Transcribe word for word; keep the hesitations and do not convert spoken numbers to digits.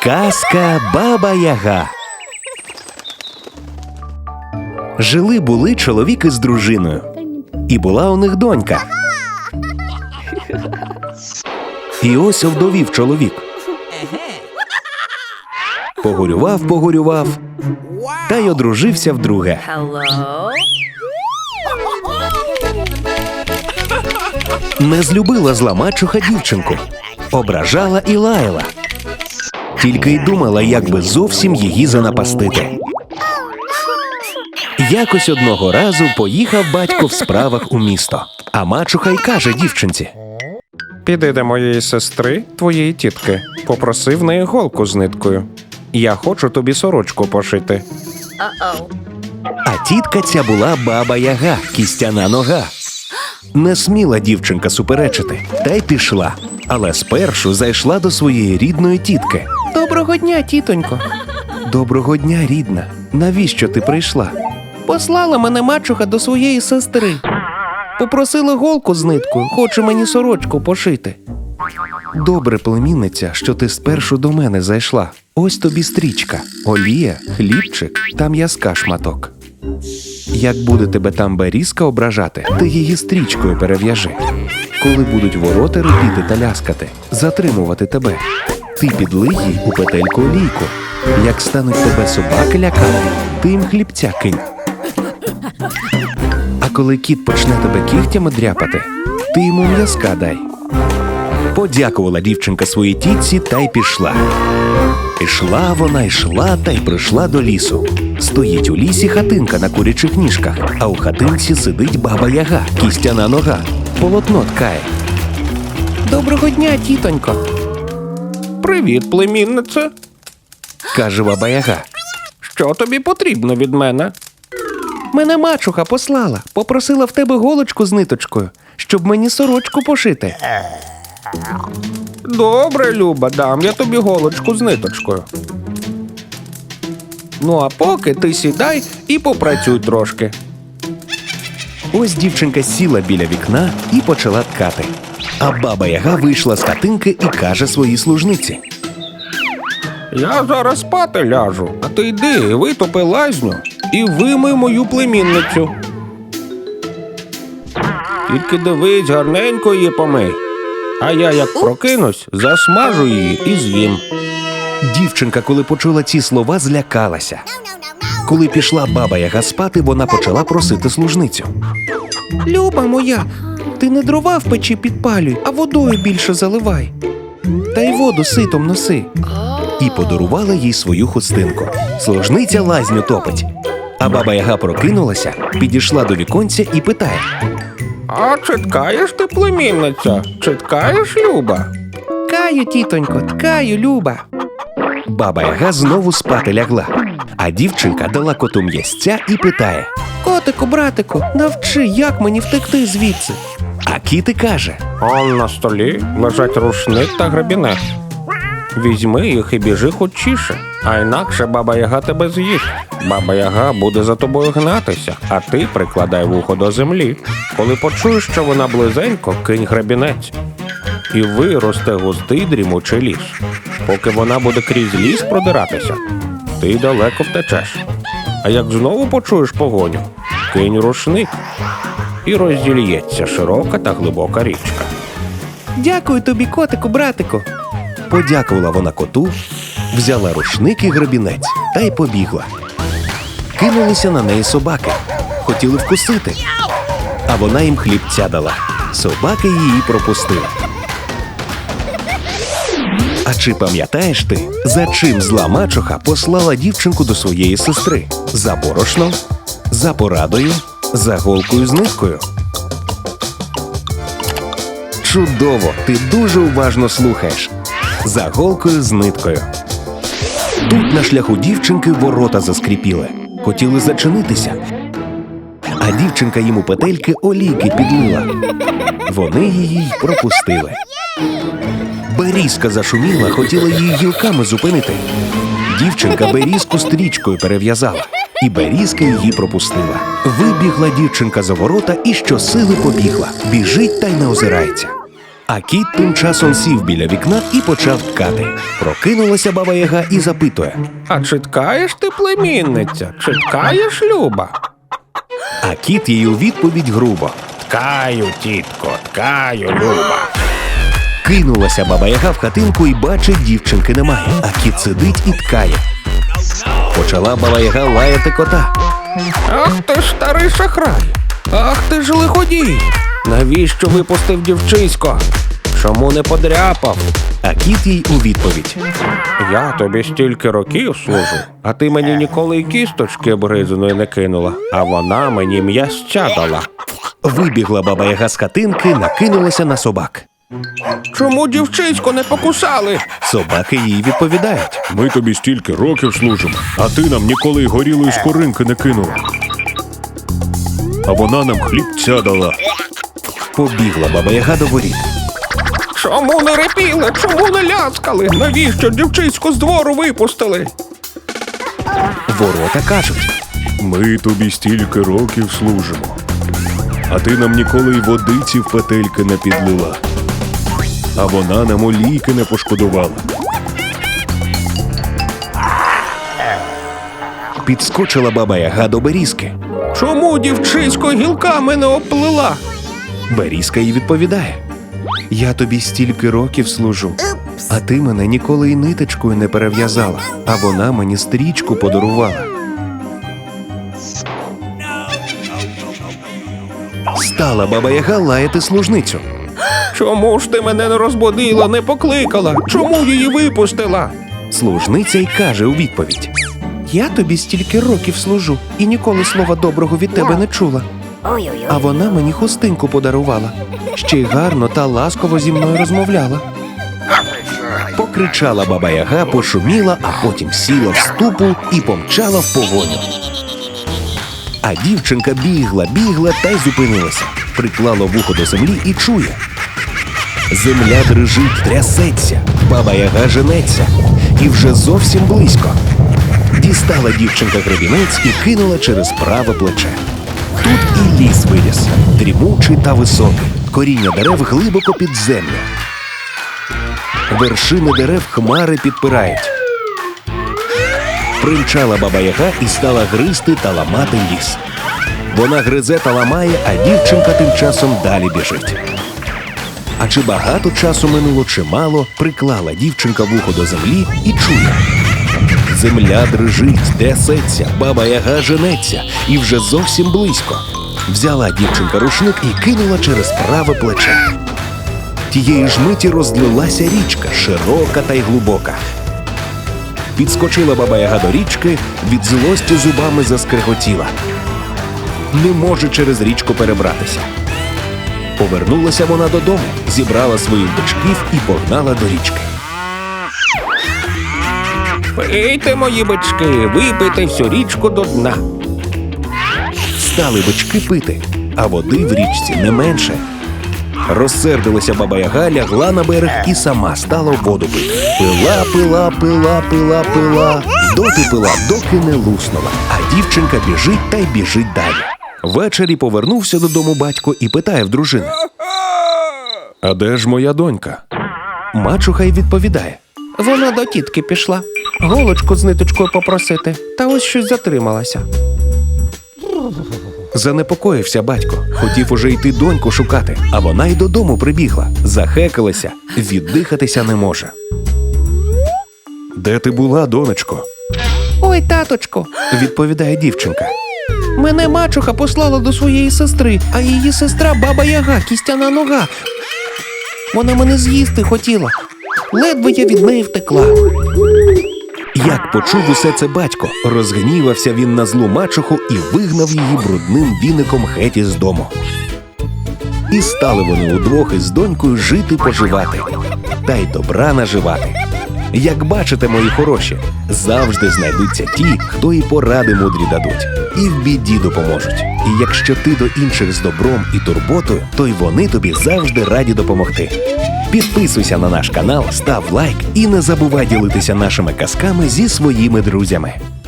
Казка Баба-Яга. Жили-були чоловік із дружиною. І була у них донька. І ось овдовів чоловік. Погорював, погорював, та й одружився вдруге. Не злюбила зла мачуха дівчинку. Ображала і лаяла. Тільки й думала, як би зовсім її занапастити. Якось одного разу поїхав батько в справах у місто. А мачуха й каже дівчинці: «Піди до моєї сестри, твоєї тітки, попроси в неї голку з ниткою. Я хочу тобі сорочку пошити». А тітка ця була Баба-Яга, кістяна нога. Не сміла дівчинка суперечити, та й пішла. Але спершу зайшла до своєї рідної тітки. Доброго дня, тітонько. Доброго дня, рідна. Навіщо ти прийшла? Послала мене мачуха до своєї сестри. Попросила голку з ниткою, хоче мені сорочку пошити. Добре, племінниця, що ти спершу до мене зайшла. Ось тобі стрічка, олія, хлібчик та м'язка шматок. Як буде тебе там берізка ображати, ти її стрічкою перев'яжи. Коли будуть ворота рипіти та ляскати, затримувати тебе, ти підлий їй у петельку олійку. Як стануть тебе собаки лякати, ти їм хлібця кинь. А коли кіт почне тебе кігтями дряпати, ти йому м'язка дай. Подякувала дівчинка своїй тітці та й пішла. Ішла вона, йшла та й прийшла до лісу. Стоїть у лісі хатинка на курячих ніжках, а у хатинці сидить Баба-Яга, кістяна нога, полотно ткає. Доброго дня, тітонько. «Привіт, племіннице. Каже Баба-Яга: Що тобі потрібно від мене?» Мене мачуха послала, попросила в тебе голочку з ниточкою, щоб мені сорочку пошити. «Добре, Люба, дам я тобі голочку з ниточкою. Ну а поки ти сідай і попрацюй трошки». Ось дівчинка сіла біля вікна і почала ткати. А Баба-Яга вийшла з хатинки і каже своїй служниці: «Я зараз спати ляжу, а ти йди, витопи лазню і вимий мою племінницю. Тільки дивись, гарненько її помий, а я, як прокинусь, засмажу її і з'їм». Дівчинка, коли почула ці слова, злякалася. Коли пішла Баба-Яга спати, вона почала просити служницю: Люба моя, ти не дрова в печі підпалюй, а водою більше заливай. Та й воду ситом носи. І подарувала їй свою хустинку. Служниця лазню топить. А Баба-Яга прокинулася, підійшла до віконця і питає: «А чи ткаєш ти, племінниця? Чи ткаєш, Люба?» Ткаю, тітонько, ткаю, Люба. Баба-Яга знову спати лягла. А дівчинка дала коту м'язця і питає: Котику, братику, навчи, як мені втекти звідси. А кіт і каже: Он на столі лежать рушник та гребінець. Візьми їх і біжи хочіше, а інакше Баба-Яга тебе з'їсть. Баба-Яга буде за тобою гнатися, а ти прикладай вухо до землі. Коли почуєш, що вона близенько, кинь гребінець. І виросте густий дрімучий ліс. Поки вона буде крізь ліс продиратися, ти далеко втечеш. А як знову почуєш погоню, кинь рушник, і роздільється широка та глибока річка». Дякую тобі, котику, братику. Подякувала вона коту, взяла рушник і гребінець та й побігла. Кинулися на неї собаки, хотіли вкусити, а вона їм хлібця дала. Собаки її пропустили. А чи пам'ятаєш ти, за чим зла мачуха послала дівчинку до своєї сестри? За борошном, за порадою, за голкою з ниткою? Чудово! Ти дуже уважно слухаєш. За голкою з ниткою. Тут на шляху дівчинки ворота заскріпіли. Хотіли зачинитися. А дівчинка їм у петельки олійки підлила. Вони її й пропустили. Берізка зашуміла, хотіла її гілками зупинити. Дівчинка берізку стрічкою перев'язала. І берізка її пропустила. Вибігла дівчинка за ворота і щосили побігла. Біжить та й не озирається. А кіт тим часом сів біля вікна і почав ткати. Прокинулася баба Яга і запитує. А чи ткаєш ти, племінниця? Чи ткаєш, Люба? А кіт їй у відповідь грубо. Ткаю, тітко, ткаю, Люба. Кинулася баба Яга в хатинку і бачить, дівчинки немає, а кіт сидить і ткає. Почала баба Яга лаяти кота. Ах ти ж старий шахрай! Ах ти ж лиходій! Навіщо випустив дівчисько? Чому не подряпав? А кіт їй у відповідь. Я тобі стільки років служу, а ти мені ніколи й кісточки обгризаної не кинула, а вона мені м'ясця дала. Вибігла баба Яга з хатинки, накинулася на собак. Чому дівчисько не покусали? Собаки їй відповідають. Ми тобі стільки років служимо, а ти нам ніколи й горілої скоринки не кинула. А вона нам хлібця дала. Побігла баба Яга до воріт. Чому не репіли? Чому не ляскали? Навіщо дівчисько з двору випустили? Ворота кажуть. Ми тобі стільки років служимо, а ти нам ніколи й водиці в петельки не підлила. А вона нам олійки не пошкодувала. Підскочила баба Яга до берізки. Чому дівчисько гілками не оплила? Берізка їй відповідає. Я тобі стільки років служу, а ти мене ніколи й ниточкою не перев'язала, а вона мені стрічку подарувала. Стала баба Яга лаяти служницю. Чому ж ти мене не розбудила, не покликала? Чому її випустила? Служниця й каже у відповідь. Я тобі стільки років служу і ніколи слова доброго від тебе не чула. А вона мені хустинку подарувала. Ще й гарно та ласково зі мною розмовляла. Покричала баба Яга, пошуміла, а потім сіла в ступу і помчала в погоню. А дівчинка бігла, бігла та й зупинилася. Приклала вухо до землі і чує. Земля дрижить, трясеться, баба Яга женеться. І вже зовсім близько. Дістала дівчинка гребінець і кинула через праве плече. Тут і ліс виріс, дрімучий та високий, коріння дерев глибоко під землю. Вершини дерев хмари підпирають. Примчала баба Яга і стала гризти та ламати ліс. Вона гризе та ламає, а дівчинка тим часом далі біжить. А чи багато часу минуло, чи мало, приклала дівчинка вухо до землі і чує. Земля дрижить, трясеться, баба Яга женеться, і вже зовсім близько. Взяла дівчинка рушник і кинула через праве плече. Тієї ж миті розлилася річка, широка та й глибока. Підскочила баба Яга до річки, від злості зубами заскреготіла. Не може через річку перебратися. Повернулася вона додому, зібрала своїх дочків і погнала до річки. Пийте, мої бички, випийте всю річку до дна. Стали бички пити, а води в річці не менше. Розсердилася баба Яга, лягла на берег і сама стала воду пити. Пила, пила, пила, пила, пила, доти пила, доки не луснула. А дівчинка біжить та й біжить далі. Ввечері повернувся додому батько і питає в дружини. А де ж моя донька? Мачуха й відповідає. Вона до тітки пішла. Голочку з ниточкою попросити. Та ось щось затрималася. Занепокоївся батько. Хотів уже йти доньку шукати, а вона й додому прибігла. Захекалася, віддихатися не може. Де ти була, донечко? Ой, таточко, Відповідає дівчинка. мене мачуха послала до своєї сестри, а її сестра баба Яга, кістяна нога. Вона мене з'їсти хотіла. Ледве я від неї втекла. Як почув усе це батько, розгнівався він на злу мачуху і вигнав її брудним віником геть із дому. І стали вони удвох із донькою жити-поживати, та й добра наживати. Як бачите, мої хороші, завжди знайдуться ті, хто і поради мудрі дадуть, і в біді допоможуть. І якщо ти до інших з добром і турботою, то й вони тобі завжди раді допомогти. Підписуйся на наш канал, став лайк і не забувай ділитися нашими казками зі своїми друзями.